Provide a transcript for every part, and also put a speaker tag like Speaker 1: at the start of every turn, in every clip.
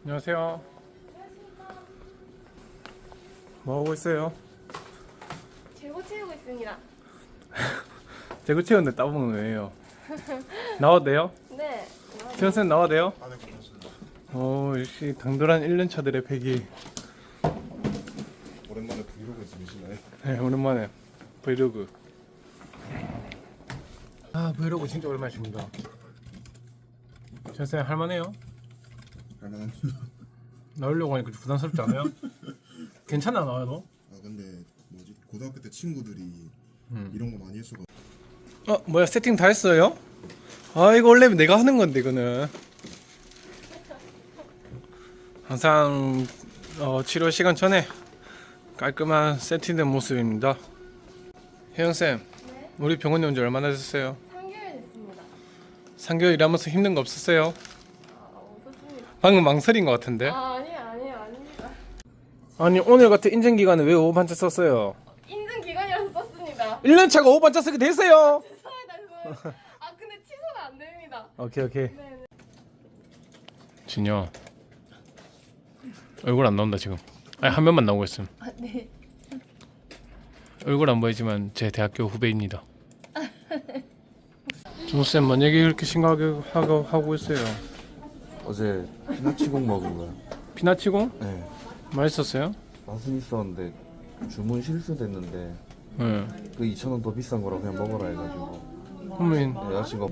Speaker 1: 안녕하세요. 뭐 하고 있어요?
Speaker 2: 재고 채우고 있습니다.
Speaker 1: 재고 채우는데 따봉은 왜요? 나와도 돼요?
Speaker 2: 네.
Speaker 1: 태현쌤 나와도 돼요?
Speaker 3: 아, 네, 고맙습니다.
Speaker 1: 역시 당돌한 1년차들의 패기.
Speaker 3: 오랜만에 브이로그 찍으시나요?
Speaker 1: 네, 오랜만에 브이로그. 브이로그 진짜 오랜만이십니다. 태현쌤 할만해요?
Speaker 3: 할만합니다.
Speaker 1: 나오려고 하니까 좀 부담스럽지 않아요? 괜찮아 나와도?
Speaker 3: 아, 근데 뭐지? 고등학교 때 친구들이 이런 거 많이 했어가지고.
Speaker 1: 뭐야 세팅 다 했어요? 이거 원래 내가 하는 건데 이거는 항상 치료 시간 전에 깔끔한 세팅된 모습입니다. 혜영쌤,
Speaker 2: 네.
Speaker 1: 우리 병원에 온 지 얼마나 됐어요?
Speaker 2: 3개월 됐습니다.
Speaker 1: 3개월 일하면서 힘든 거 없었어요?
Speaker 2: 없었습니다.
Speaker 1: 방금 망설인 것 같은데?
Speaker 2: 아닙니다.
Speaker 1: 아니 오늘 같은 인증기간에 왜 5반자 썼어요?
Speaker 2: 인증 기간이라서 썼습니다.
Speaker 1: 1년차가 5반자 쓰게 됐어요!
Speaker 2: 죄송합니다. 근데 취소는 안 됩니다.
Speaker 1: 오케이
Speaker 2: 네.
Speaker 1: 진여 얼굴 안 나온다 지금. 아니 한 면만 나오고 있음.
Speaker 2: 네.
Speaker 1: 얼굴 안 보이지만 제 대학교 후배입니다. 준호쌤 뭔 얘기 그렇게 심각하게 하고 있어요?
Speaker 4: 어제 피나치공 먹은 거야.
Speaker 1: 피나치공?
Speaker 4: 네.
Speaker 1: 맛있었어요?
Speaker 4: 맛은 있었는데 주문 실수됐는데
Speaker 1: 네.
Speaker 4: 그 2,000원 더 비싼 거라 그냥 먹어라 해가지고
Speaker 1: 그러면
Speaker 4: 여자친구가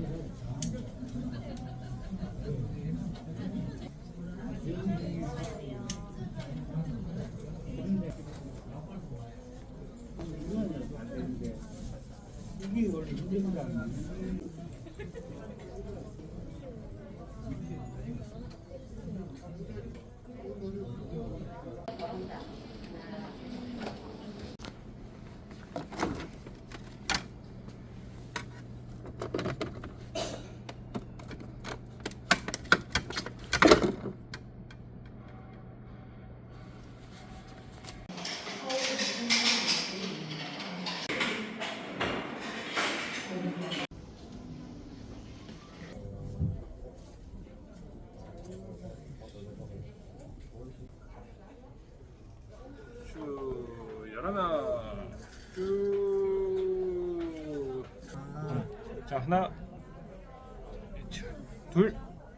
Speaker 1: 열하나 자 하나 둘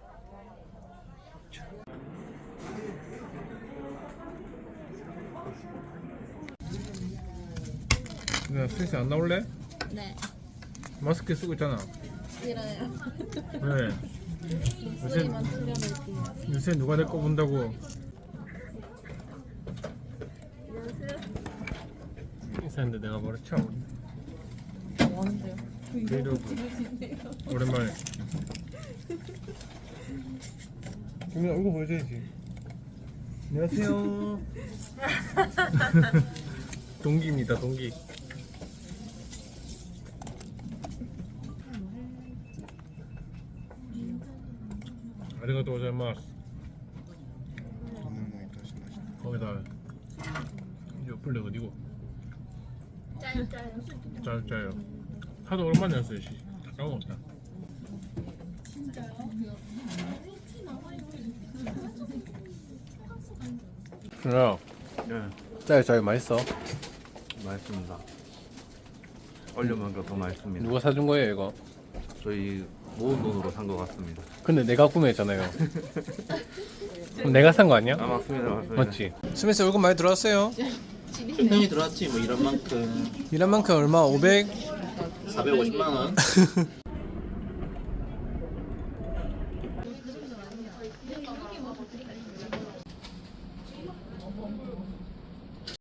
Speaker 1: 스트레스 안 나올래?
Speaker 2: 네.
Speaker 1: 마스크 쓰고 있잖아.
Speaker 2: 싫어요.
Speaker 1: 왜?
Speaker 2: 소리만 줄여놓을게요.
Speaker 1: 요새 누가 내 거 본다고? 인사했는데 내가 뭐라 쳐?
Speaker 2: 뭐하는데요?
Speaker 1: 브이로그 오랜만에. 그러면 얼굴 보여줘야지. 안녕하세요. 동기입니다, 동기. 아리가또 고자이마스.
Speaker 3: 동영상이 다시 맛있다.
Speaker 1: 거기다 옆플레 어디고? 짜요. 하도 오랜만에 했어요. 다 까먹었다. 진짜요?
Speaker 4: 네,
Speaker 1: 짜요 맛있어.
Speaker 4: 맛있습니다. 얼려먹으니까 더 맛있습니다.
Speaker 1: 누가 사준 거예요 이거?
Speaker 4: 저희 모은 돈으로 산 것 같습니다.
Speaker 1: 근데 내가 구매했잖아요. 그럼 내가 산 거 아니야?
Speaker 4: 아 맞습니다.
Speaker 1: 맞지? 스미스 월급 많이 들어왔어요?
Speaker 5: 충분히 들어왔지 뭐 이런 만큼
Speaker 1: 일한 만큼 얼마? 500?
Speaker 5: 450만 원